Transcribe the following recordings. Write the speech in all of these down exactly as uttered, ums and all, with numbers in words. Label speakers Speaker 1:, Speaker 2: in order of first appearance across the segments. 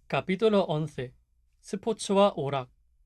Speaker 1: Capítulo once. 스포츠와 오락.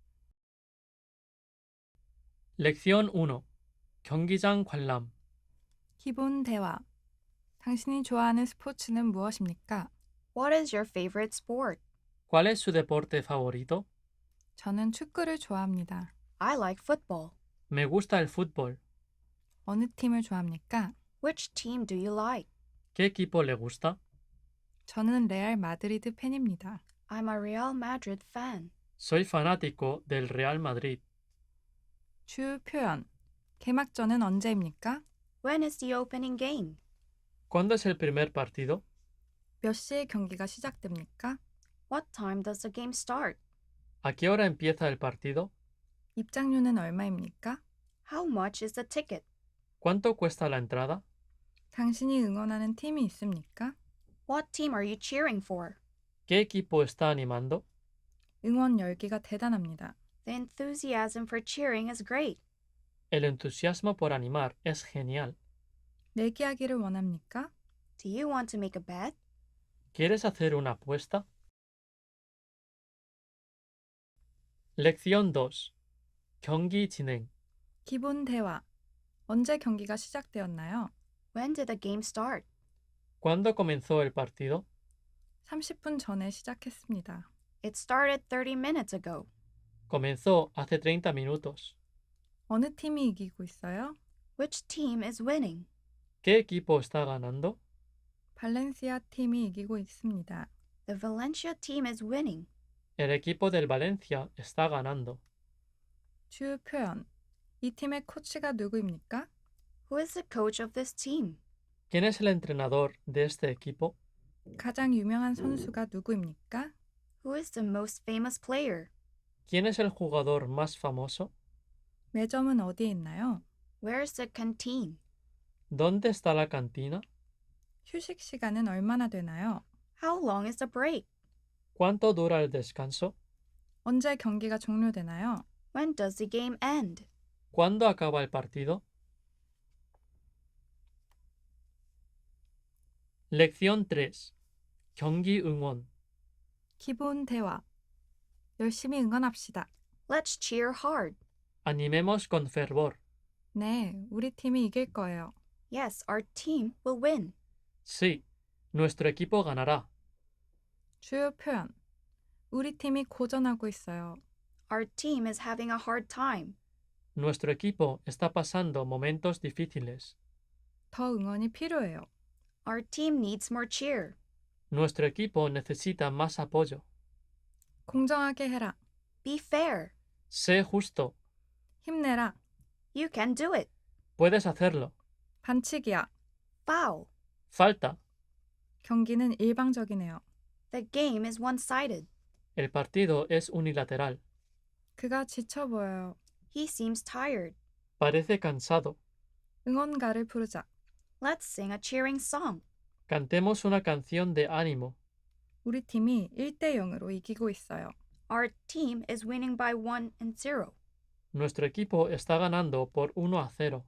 Speaker 1: 렉션 일. 경기장 관람.
Speaker 2: 기본 대화. 당신이 좋아하는 스포츠는 무엇입니까?
Speaker 3: What is your favorite sport?
Speaker 1: ¿Cuál es su deporte favorito?
Speaker 2: 저는 축구를 좋아합니다.
Speaker 3: I like football.
Speaker 1: Me gusta el fútbol.
Speaker 2: 어느 팀을 좋아합니까?
Speaker 3: Which team do you like?
Speaker 1: ¿Qué equipo le gusta?
Speaker 2: 저는 레알 마드리드 팬입니다.
Speaker 3: I'm a Real Madrid fan.
Speaker 1: Soy fanático del Real Madrid.
Speaker 2: 주 표현. 개막전은 언제입니까?
Speaker 3: When is the opening game?
Speaker 1: ¿Cuándo es el primer partido?
Speaker 2: 몇 시에 경기가 시작됩니까?
Speaker 3: What time does the game start?
Speaker 1: ¿A qué hora empieza el partido?
Speaker 2: 입장료는 얼마입니까?
Speaker 3: How much is the ticket?
Speaker 1: ¿Cuánto cuesta la entrada?
Speaker 2: 당신이 응원하는 팀이 있습니까?
Speaker 3: What team are you cheering for?
Speaker 1: ¿Qué equipo está animando?
Speaker 2: 응원 열기가 대단합니다.
Speaker 3: The enthusiasm for cheering is great.
Speaker 1: El entusiasmo por animar es genial.
Speaker 2: 내기하기를 원합니까?
Speaker 3: Do you want to make a bet?
Speaker 1: ¿Quieres hacer una apuesta? lección dos. 경기 진행.
Speaker 2: 기본 대화. 언제 경기가 시작되었나요?
Speaker 3: When did the game start?
Speaker 1: ¿Cuándo comenzó el partido?
Speaker 2: 삼십 분 전에 시작했습니다.
Speaker 3: It started thirty minutes ago.
Speaker 1: Comenzó hace treinta minutos.
Speaker 2: 어느 팀이 이기고 있어요?
Speaker 3: Which team is winning?
Speaker 1: ¿Qué equipo está ganando?
Speaker 2: 발렌시아 팀이 이기고 있습니다.
Speaker 3: The Valencia team is winning.
Speaker 1: El equipo del Valencia está ganando.
Speaker 2: 주 표현. 이 팀의 코치가 누구입니까?
Speaker 3: Who is the coach of this team?
Speaker 1: ¿Quién es el entrenador de este equipo?
Speaker 2: 가장 유명한 선수가 누구입니까?
Speaker 3: Who is the most famous player?
Speaker 1: ¿Quién es el jugador más famoso?
Speaker 2: 매점은 어디에 있나요?
Speaker 3: Where is the canteen?
Speaker 1: ¿Dónde está la cantina?
Speaker 2: 휴식 시간은 얼마나 되나요?
Speaker 3: How long is the break?
Speaker 1: ¿Cuánto dura el descanso?
Speaker 2: 언제 경기가 종료되나요?
Speaker 3: When does the game end?
Speaker 1: ¿Cuándo acaba el partido? lección tres. 경기 응원.
Speaker 2: 기본 대화. 열심히 응원합시다.
Speaker 3: Let's cheer hard.
Speaker 1: Animemos con fervor.
Speaker 2: 네, 우리 팀이 이길 거예요.
Speaker 3: Yes, our team will win.
Speaker 1: Sí, nuestro equipo ganará.
Speaker 2: 주요 표현. 우리 팀이 고전하고 있어요.
Speaker 3: Our team is having a hard time.
Speaker 1: Nuestro equipo está pasando momentos difíciles.
Speaker 2: 더 응원이 필요해요.
Speaker 3: Our team needs more cheer.
Speaker 1: Nuestro equipo necesita más apoyo.
Speaker 2: 공정하게 해라.
Speaker 3: Be fair.
Speaker 1: Sé justo.
Speaker 2: 힘내라.
Speaker 3: You can do it.
Speaker 1: Puedes hacerlo.
Speaker 2: 반칙이야.
Speaker 3: Foul.
Speaker 1: Falta.
Speaker 2: 경기는 일방적이네요.
Speaker 3: The game is one-sided.
Speaker 1: El partido es unilateral.
Speaker 2: 그가 지쳐 보여요.
Speaker 3: He seems tired.
Speaker 1: Parece cansado.
Speaker 2: 응원가를 부르자.
Speaker 3: Let's sing a cheering song.
Speaker 1: Cantemos una canción de ánimo.
Speaker 2: 우리 팀이 일 대 영으로 이기고 있어요.
Speaker 3: Our team is winning by one and zero.
Speaker 1: Nuestro equipo está ganando por uno a cero.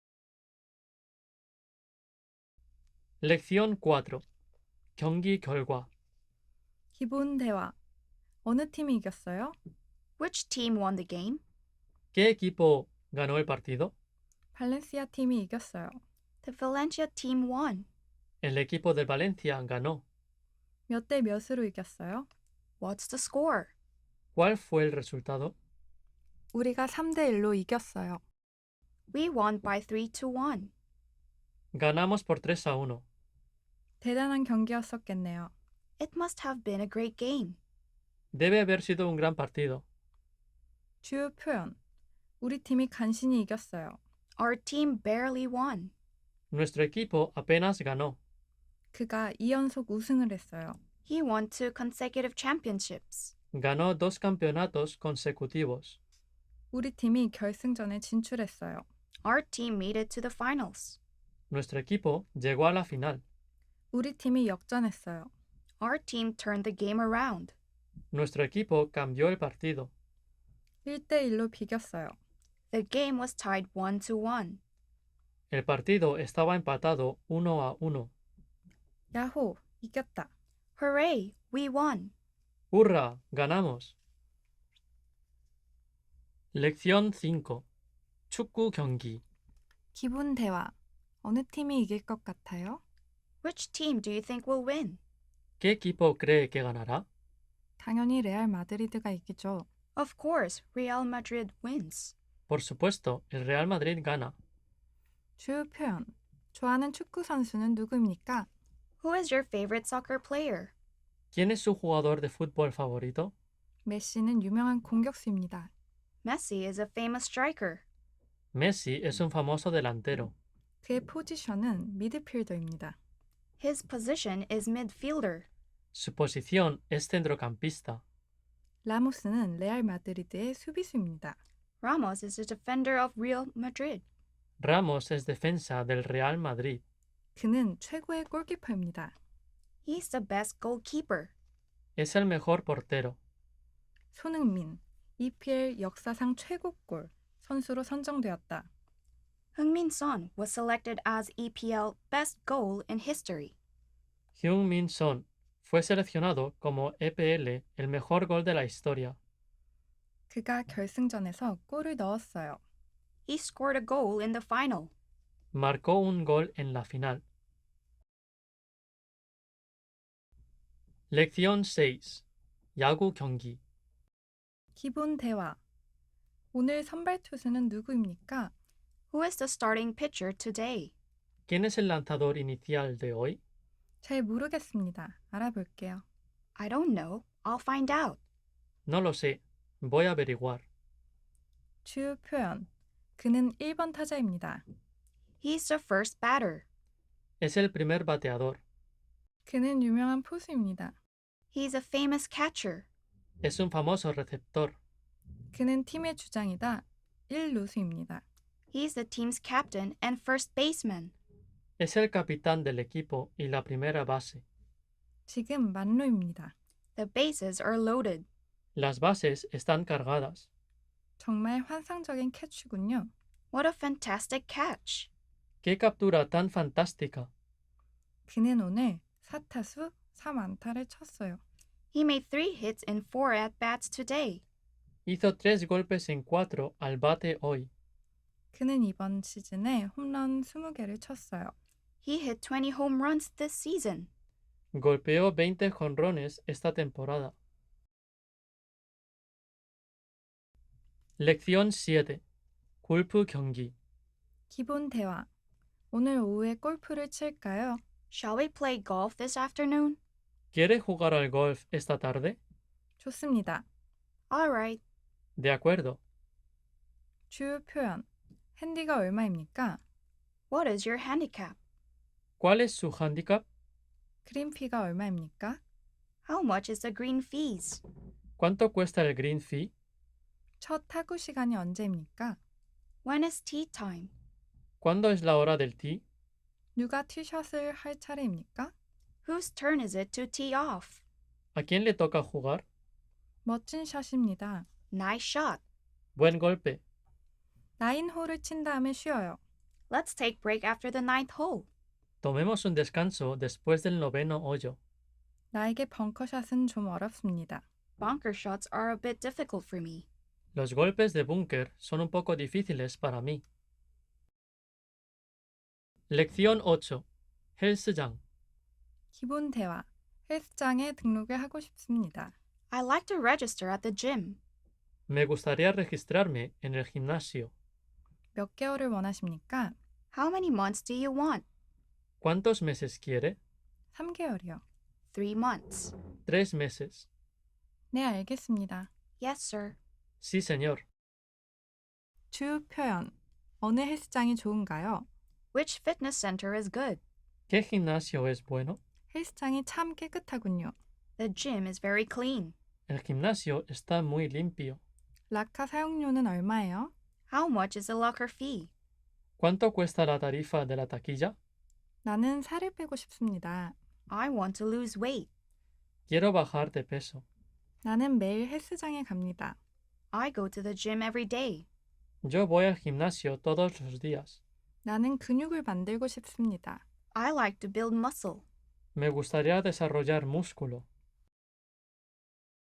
Speaker 1: lección cuatro. 경기 결과.
Speaker 2: 기본 대화. 어느 팀이 이겼어요?
Speaker 3: Which team won the game?
Speaker 1: ¿Qué equipo ganó el partido?
Speaker 2: 발렌시아 팀이 이겼어요.
Speaker 3: The Valencia team won.
Speaker 1: El equipo del Valencia ganó.
Speaker 2: 몇 대 몇으로 이겼어요?
Speaker 3: What's the score?
Speaker 1: ¿Cuál fue el resultado?
Speaker 2: 우리가 삼 대 일로 이겼어요.
Speaker 3: We won by three to one.
Speaker 1: Ganamos por tres a uno.
Speaker 2: 대단한 경기였었겠네요.
Speaker 3: It must have been a great game.
Speaker 1: Debe haber sido un gran partido.
Speaker 2: 주요 표현. 우리 팀이 간신히 이겼어요.
Speaker 3: Our team barely won.
Speaker 1: Nuestro equipo apenas ganó.
Speaker 2: 그가 이 연속 우승을 했어요.
Speaker 3: He won two consecutive championships.
Speaker 1: Ganó dos campeonatos consecutivos.
Speaker 2: 우리 팀이 결승전에 진출했어요.
Speaker 3: Our team made it to the finals.
Speaker 1: Nuestro equipo llegó a la final.
Speaker 2: 우리 팀이 역전했어요.
Speaker 3: Our team turned the game around.
Speaker 1: Nuestro equipo cambió el partido.
Speaker 2: 일 대 일로 비겼어요.
Speaker 3: The game was tied one to one.
Speaker 1: El partido estaba empatado uno a uno.
Speaker 2: 야호, 이겼다.
Speaker 3: Hooray, we won.
Speaker 1: ¡Hurra! ¡Ganamos! lección cinco. 축구 경기.
Speaker 2: 기분 대화. 어느 팀이 이길 것 같아요?
Speaker 3: Which team do you think will win?
Speaker 1: ¿Qué equipo cree que ganará?
Speaker 2: 당연히 레알 마드리드가 이기죠.
Speaker 3: Of course, Real Madrid wins.
Speaker 1: Por supuesto, el Real Madrid gana.
Speaker 2: 주요 표현. 좋아하는 축구 선수는 누구입니까?
Speaker 3: Who is your favorite soccer player?
Speaker 1: ¿Quién es su jugador de fútbol favorito?
Speaker 2: 메시는 유명한 공격수입니다.
Speaker 3: Messi is a famous striker.
Speaker 1: Messi es un famoso delantero.
Speaker 2: 그의 포지션은 미드필더입니다.
Speaker 3: His position is midfielder.
Speaker 1: Su posición es centrocampista.
Speaker 2: 라모스는 레알 마드리드의 수비수입니다.
Speaker 3: Ramos is a defender of Real Madrid.
Speaker 1: Ramos es defensa del Real Madrid.
Speaker 2: 그는 최고의 골키퍼입니다.
Speaker 3: He's the best goalkeeper.
Speaker 1: Es el mejor portero.
Speaker 2: 손흥민, 이피엘 역사상 최고골 선수로 선정되었다.
Speaker 3: Heung-min Son was selected as E P L best goal in history.
Speaker 1: Heung-min Son fue seleccionado como E P L el mejor gol de la historia.
Speaker 2: 그가 결승전에서 골을 넣었어요.
Speaker 3: He scored a goal in the final.
Speaker 1: Marcó un gol en la final. lección seis. 야구 경기.
Speaker 2: 기본 대화. 오늘 선발 투수는 누구입니까?
Speaker 3: Who is the starting pitcher today?
Speaker 1: ¿Quién es el lanzador inicial de hoy?
Speaker 2: 잘 모르겠습니다. 알아볼게요.
Speaker 3: I don't know. I'll find out.
Speaker 1: No lo sé. Voy a averiguar.
Speaker 2: 주요 표현. 그는 일 번 타자입니다.
Speaker 3: He's the first batter.
Speaker 1: Es el primer bateador.
Speaker 2: 그는 유명한 포수입니다.
Speaker 3: He's a famous catcher.
Speaker 1: Es un famoso receptor.
Speaker 2: 그는 팀의 주장이다. 일 루수입니다.
Speaker 3: He's the team's captain and first baseman.
Speaker 1: Es el capitán del equipo y la primera base.
Speaker 2: 지금 만루입니다.
Speaker 3: The bases are loaded.
Speaker 1: Las bases están cargadas.
Speaker 2: 정말 환상적인 캐치군요.
Speaker 3: What a fantastic catch.
Speaker 1: ¡Qué captura tan fantástica!
Speaker 2: 그는 오늘 사 타수 삼 안타를 쳤어요.
Speaker 3: He made three hits in four at-bats today.
Speaker 1: Hizo tres golpes en cuatro al bate hoy.
Speaker 2: 그는 이번 시즌에 홈런 스무 개를 쳤어요.
Speaker 3: He hit twenty home runs this season.
Speaker 1: Golpeó veinte jonrones esta temporada. lección siete. 골프 경기.
Speaker 2: 기본 대화. 오늘 오후에 골프를 칠까요?
Speaker 3: Shall we play golf this afternoon?
Speaker 1: ¿Quiere jugar al golf esta tarde?
Speaker 2: 좋습니다.
Speaker 3: All right.
Speaker 1: De acuerdo.
Speaker 2: 주요 표현. 핸디가 얼마입니까?
Speaker 3: What is your handicap?
Speaker 1: ¿Cuál es su handicap?
Speaker 2: 그린피가 얼마입니까?
Speaker 3: How much is the green fees?
Speaker 1: ¿Cuánto cuesta el green fee?
Speaker 2: 첫 타구 시간이 언제입니까?
Speaker 3: When is tea time?
Speaker 1: ¿Cuándo es la hora del tee?
Speaker 2: 누가 티샷을 할 차례입니까?
Speaker 3: Whose turn is it to tee off?
Speaker 1: ¿A quién le toca jugar?
Speaker 2: 멋진 샷입니다.
Speaker 3: Nice shot.
Speaker 1: Buen golpe.
Speaker 2: 나인 홀을 친 다음에 쉬어요.
Speaker 3: Let's take break after the ninth hole.
Speaker 1: Tomemos un descanso después del noveno hoyo.
Speaker 2: 나에게 벙커샷은 좀 어렵습니다.
Speaker 3: Bunker shots are a bit difficult for me.
Speaker 1: Los golpes de búnker son un poco difíciles para mí. lección ocho. 헬스장.
Speaker 2: 기본 대화. 헬스장에 등록을 하고 싶습니다.
Speaker 3: I like to register at the gym.
Speaker 1: Me gustaría registrarme en el gimnasio.
Speaker 2: 몇 개월을 원하십니까?
Speaker 3: How many months do you want?
Speaker 1: ¿Cuántos meses quiere?
Speaker 2: 삼 개월이요.
Speaker 3: Three months.
Speaker 1: Tres meses.
Speaker 2: 네, 알겠습니다.
Speaker 3: Yes, sir.
Speaker 1: Sí, señor.
Speaker 2: 주요 표현. 어느 헬스장이 좋은가요?
Speaker 3: Which fitness center is good?
Speaker 1: ¿Qué gimnasio es bueno?
Speaker 2: 헬스장이 참 깨끗하군요.
Speaker 3: The gym is very clean.
Speaker 1: El gimnasio está muy limpio.
Speaker 2: 라카 사용료는 얼마예요?
Speaker 3: How much is the locker fee?
Speaker 1: ¿Cuánto cuesta la tarifa de la taquilla?
Speaker 2: 나는 살을 빼고 싶습니다.
Speaker 3: I want to lose weight.
Speaker 1: Quiero bajar de peso.
Speaker 2: 나는 매일 헬스장에 갑니다.
Speaker 3: I go to the gym every day.
Speaker 1: Yo voy al gimnasio todos los días.
Speaker 2: 나는 근육을 만들고 싶습니다.
Speaker 3: I like to build muscle.
Speaker 1: Me gustaría desarrollar músculo.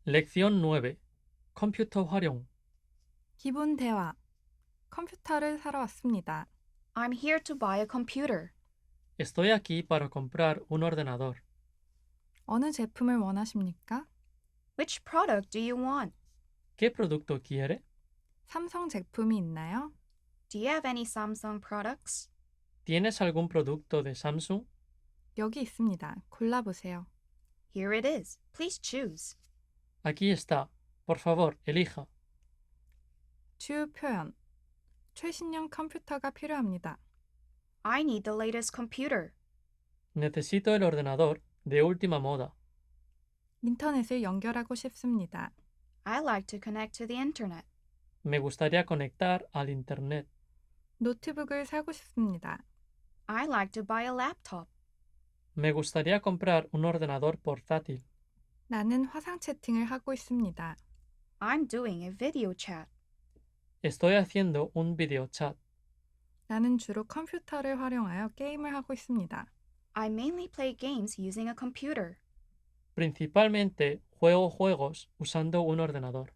Speaker 1: lección nueve. 컴퓨터 활용.
Speaker 2: 기본 대화. 컴퓨터를 사러 왔습니다.
Speaker 3: I'm here to buy a computer.
Speaker 1: Estoy aquí para comprar un ordenador.
Speaker 2: 어느 제품을 원하십니까?
Speaker 3: Which product do you want?
Speaker 1: ¿Qué producto quiere?
Speaker 2: 삼성 제품이 있나요?
Speaker 3: Do you have any Samsung products?
Speaker 1: ¿Tienes algún producto de Samsung?
Speaker 2: 여기 있습니다. 골라보세요.
Speaker 3: Here it is. Please choose.
Speaker 1: Aquí está. Por favor, elija.
Speaker 2: 주요 표현. 최신형 컴퓨터가 필요합니다.
Speaker 3: I need the latest computer.
Speaker 1: Necesito el ordenador de última moda.
Speaker 2: 인터넷을 연결하고 싶습니다.
Speaker 3: I like to connect to the internet.
Speaker 1: Me gustaría conectar al Internet.
Speaker 2: 노트북을 사고 싶습니다.
Speaker 3: I like to buy a laptop.
Speaker 1: Me gustaría comprar un ordenador portátil.
Speaker 2: 나는 화상 채팅을 하고 있습니다.
Speaker 3: I'm doing a video chat.
Speaker 1: Estoy haciendo un video chat.
Speaker 2: 나는 주로 컴퓨터를 활용하여 게임을 하고 있습니다.
Speaker 3: I mainly play games using a computer.
Speaker 1: Principalmente juego juegos usando un ordenador.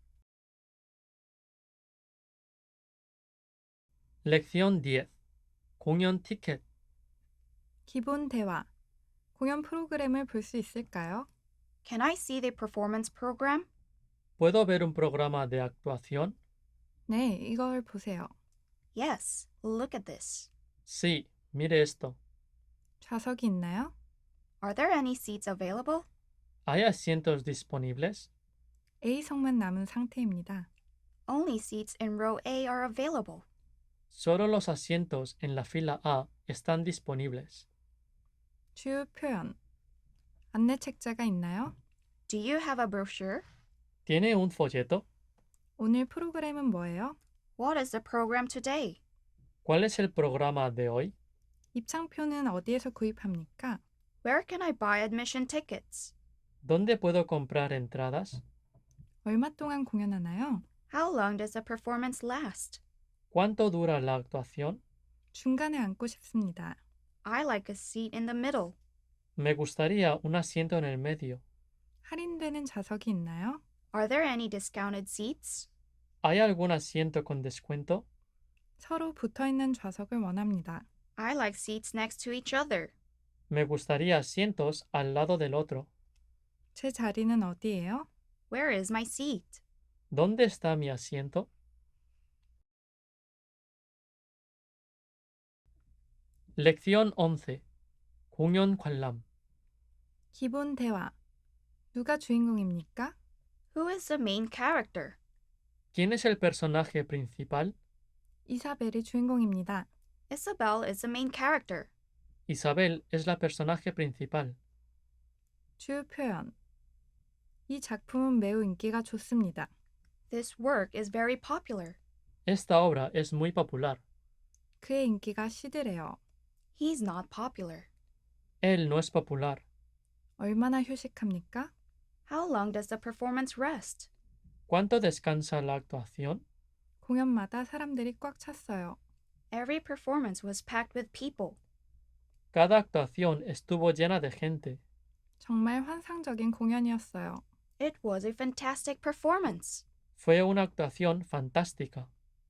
Speaker 1: lección diez. 공연 티켓.
Speaker 2: 기본 대화. 공연 프로그램을 볼 수 있을까요?
Speaker 3: Can I see the performance program?
Speaker 1: ¿Puedo ver un programa de actuación?
Speaker 2: 네, 이걸 보세요.
Speaker 3: Yes, look at this.
Speaker 1: Sí, mire esto.
Speaker 2: 좌석이 있나요?
Speaker 3: Are there any seats available?
Speaker 1: ¿Hay asientos disponibles?
Speaker 2: A석만 남은 상태입니다.
Speaker 3: Only seats in row A are available.
Speaker 1: Solo los asientos en la fila A están disponibles.
Speaker 2: 주요 표현. 안내 책자가 있나요?
Speaker 3: Do you have a brochure?
Speaker 1: ¿Tiene un folleto?
Speaker 2: 오늘 프로그램은 뭐예요?
Speaker 3: What is the program today?
Speaker 1: ¿Cuál es el programa de hoy?
Speaker 2: 입장표는 어디에서 구입합니까?
Speaker 3: Where can I buy admission tickets?
Speaker 1: ¿Dónde puedo comprar entradas?
Speaker 2: 얼마 동안 공연하나요?
Speaker 3: How long does the performance last?
Speaker 1: ¿Cuánto dura la actuación?
Speaker 2: 중간에 앉고 싶습니다.
Speaker 3: I like a seat in the middle.
Speaker 1: Me gustaría un asiento en el medio.
Speaker 2: 할인되는 좌석이 있나요?
Speaker 3: Are there any discounted seats?
Speaker 1: ¿Hay algún asiento con descuento?
Speaker 2: 서로 붙어있는 좌석을 원합니다.
Speaker 3: I like seats next to each other.
Speaker 1: Me gustaría asientos al lado del otro.
Speaker 2: 제 자리는 어디예요?
Speaker 3: Where is my seat?
Speaker 1: ¿Dónde está mi asiento? lección once. 공연 관람.
Speaker 2: 기본 대화. 누가 주인공입니까?
Speaker 3: Who is the main character?
Speaker 1: ¿Quién es el personaje principal?
Speaker 2: 이사벨이 주인공입니다.
Speaker 3: Isabel is the main character.
Speaker 1: Isabel es la personaje principal.
Speaker 2: 주요 표현. 이 작품은 매우 인기가 좋습니다.
Speaker 3: This work is very popular.
Speaker 1: Esta obra es muy popular.
Speaker 2: 그의 인기가 시들해요.
Speaker 3: He's not popular.
Speaker 1: Él no es popular.
Speaker 2: 얼마나 휴식합니까?
Speaker 3: How long does the performance rest?
Speaker 1: ¿Cuánto descansa la actuación?
Speaker 2: 공연마다 사람들이 꽉 찼어요.
Speaker 3: Every performance was packed with people.
Speaker 1: Cada actuación estuvo llena de gente.
Speaker 2: 정말 환상적인 공연이었어요.
Speaker 3: It was a fantastic performance.
Speaker 1: Fue una actuación fantástica.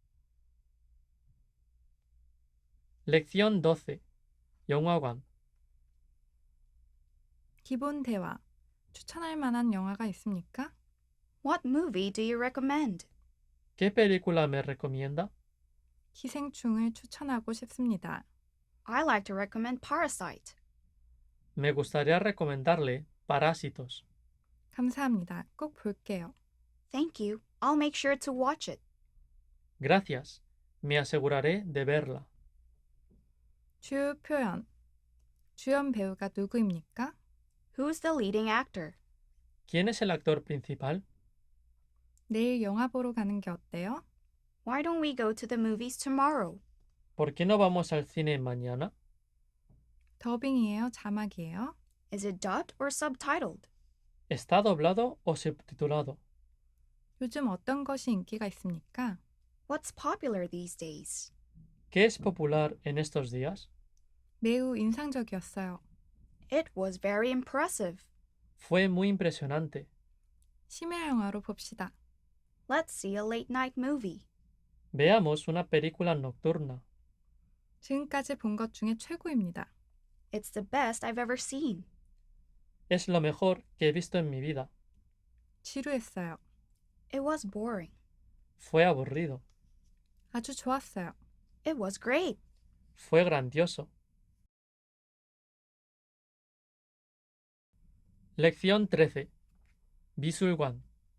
Speaker 1: lección doce. 영화관.
Speaker 2: 기본 대화. 추천할 만한 영화가 있습니까?
Speaker 3: What movie do you recommend?
Speaker 1: ¿Qué película me recomienda?
Speaker 2: 기생충을 추천하고 싶습니다.
Speaker 3: I like to recommend Parasite.
Speaker 1: Me gustaría recomendarle Parásitos.
Speaker 2: 감사합니다. 꼭 볼게요.
Speaker 3: Thank you. I'll make sure to watch it.
Speaker 1: Gracias. Me aseguraré de verla.
Speaker 2: 주요 표현. 주연 배우가 누구입니까?
Speaker 3: Who's the leading actor?
Speaker 1: ¿Quién es el actor principal?
Speaker 2: 내일 영화 보러 가는 게 어때요?
Speaker 3: Why don't we go to the movies tomorrow?
Speaker 1: ¿Por qué no vamos al cine mañana?
Speaker 2: 더빙이에요? 자막이에요?
Speaker 3: Is it dubbed or subtitled?
Speaker 1: ¿Está doblado o subtitulado?
Speaker 2: 요즘 어떤 것이 인기가 있습니까?
Speaker 3: What's popular these days?
Speaker 1: ¿Qué es popular en estos días?
Speaker 2: 매우 인상적이었어요.
Speaker 3: It was very impressive.
Speaker 1: Fue muy impresionante.
Speaker 2: 심야 영화로 봅시다.
Speaker 3: Let's see a late night movie.
Speaker 1: Veamos una película nocturna.
Speaker 2: 지금까지 본 것 중에 최고입니다.
Speaker 3: It's the best I've ever seen.
Speaker 1: Es lo mejor que he visto en mi vida.
Speaker 2: 지루했어요.
Speaker 3: It was boring.
Speaker 1: Fue aburrido.
Speaker 2: 아주 좋았어요.
Speaker 3: It was great.
Speaker 1: Fue grandioso. Lección trece. 미술관.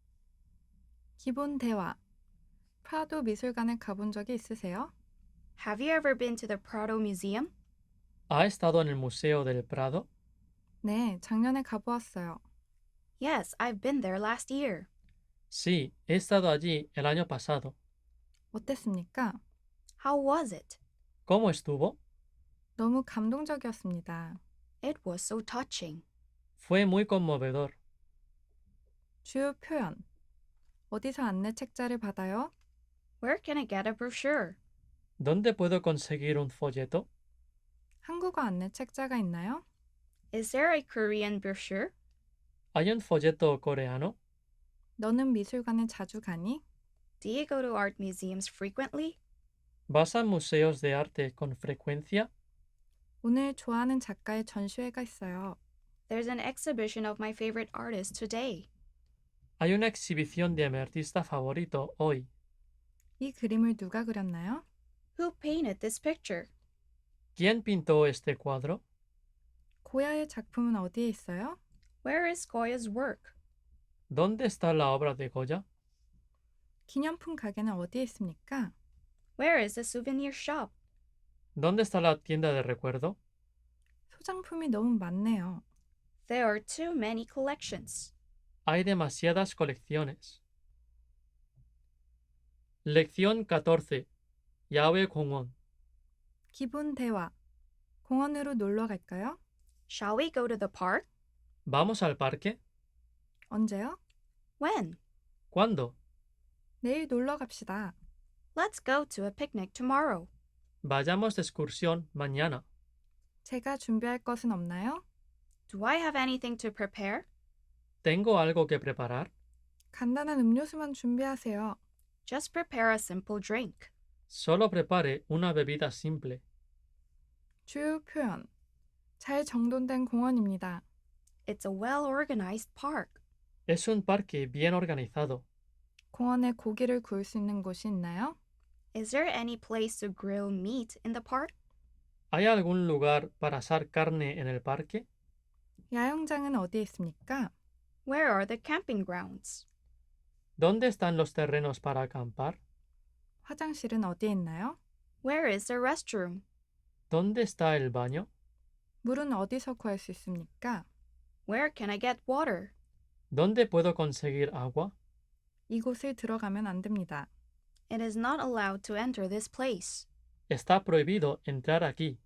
Speaker 2: 기본 대화. 프라도 미술관에 가본 적이 있으세요?
Speaker 3: Have you ever been to the Prado Museum?
Speaker 1: ¿Ha estado en el Museo del Prado?
Speaker 2: 네, 작년에 가보았어요.
Speaker 3: Yes, I've been there last year.
Speaker 1: Sí, he estado allí el año pasado.
Speaker 2: 어땠습니까?
Speaker 3: How was it?
Speaker 1: ¿Cómo estuvo?
Speaker 2: 너무 감동적이었습니다.
Speaker 3: It was so touching.
Speaker 1: Fue muy conmovedor.
Speaker 2: 주요 표현. 어디서 안내 책자를 받아요?
Speaker 3: Where can I get a brochure?
Speaker 1: ¿Dónde puedo conseguir un folleto?
Speaker 2: 한국어 안내 책자가 있나요?
Speaker 3: Is there a Korean brochure?
Speaker 1: ¿Hay un folleto coreano?
Speaker 2: 너는 미술관에 자주 가니?
Speaker 3: Do you go to art museums frequently?
Speaker 1: ¿Vas a museos de arte con frecuencia?
Speaker 2: 오늘 좋아하는 작가의 전시회가 있어요.
Speaker 3: There's an exhibition of my favorite artist today.
Speaker 1: Hay una exhibición de mi artista favorito hoy.
Speaker 2: 이 그림을 누가 그렸나요?
Speaker 3: Who painted this picture?
Speaker 1: ¿Quién pintó este cuadro?
Speaker 2: 고야의 작품은 어디에 있어요?
Speaker 3: Where is Goya's work?
Speaker 1: ¿Dónde está la obra de Goya?
Speaker 2: 기념품 가게는 어디에 있습니까?
Speaker 3: Where is the souvenir shop?
Speaker 1: ¿Dónde está la tienda de recuerdo?
Speaker 2: 소장품이 너무 많네요.
Speaker 3: There are too many collections.
Speaker 1: Hay demasiadas colecciones. Lección catorce. 야외 공원.
Speaker 2: 기본 대화. 공원으로 놀러 갈까요?
Speaker 3: Shall we go to the park?
Speaker 1: ¿Vamos al parque?
Speaker 2: 언제요?
Speaker 3: When?
Speaker 1: ¿Cuándo?
Speaker 2: 내일 놀러 갑시다.
Speaker 3: Let's go to a picnic tomorrow.
Speaker 1: Vayamos de excursión mañana.
Speaker 2: 제가 준비할 것은 없나요?
Speaker 3: Do I have anything to prepare?
Speaker 1: ¿Tengo algo que preparar?
Speaker 2: 간단한 음료수만 준비하세요.
Speaker 3: Just prepare a simple drink.
Speaker 1: Solo prepare una bebida simple.
Speaker 2: 주요 표현. 잘 정돈된 공원입니다.
Speaker 3: It's a well-organized park.
Speaker 1: Es un parque bien organizado.
Speaker 2: 공원에 고기를 구울 수 있는 곳이 있나요?
Speaker 3: Is there any place to grill meat in the park?
Speaker 1: ¿Hay algún lugar para asar carne en el parque?
Speaker 2: 야영장은 어디에 있습니까?
Speaker 3: Where are the camping grounds?
Speaker 1: ¿Dónde están los terrenos para acampar?
Speaker 2: 화장실은 어디에 있나요?
Speaker 3: Where is the restroom?
Speaker 1: ¿Dónde está el baño?
Speaker 2: 물은 어디서 구할 수 있습니까?
Speaker 3: Where can I get water?
Speaker 1: ¿Dónde puedo conseguir agua?
Speaker 2: 이곳을 들어가면 안 됩니다.
Speaker 3: It is not allowed to enter this place.
Speaker 1: Está prohibido entrar aquí.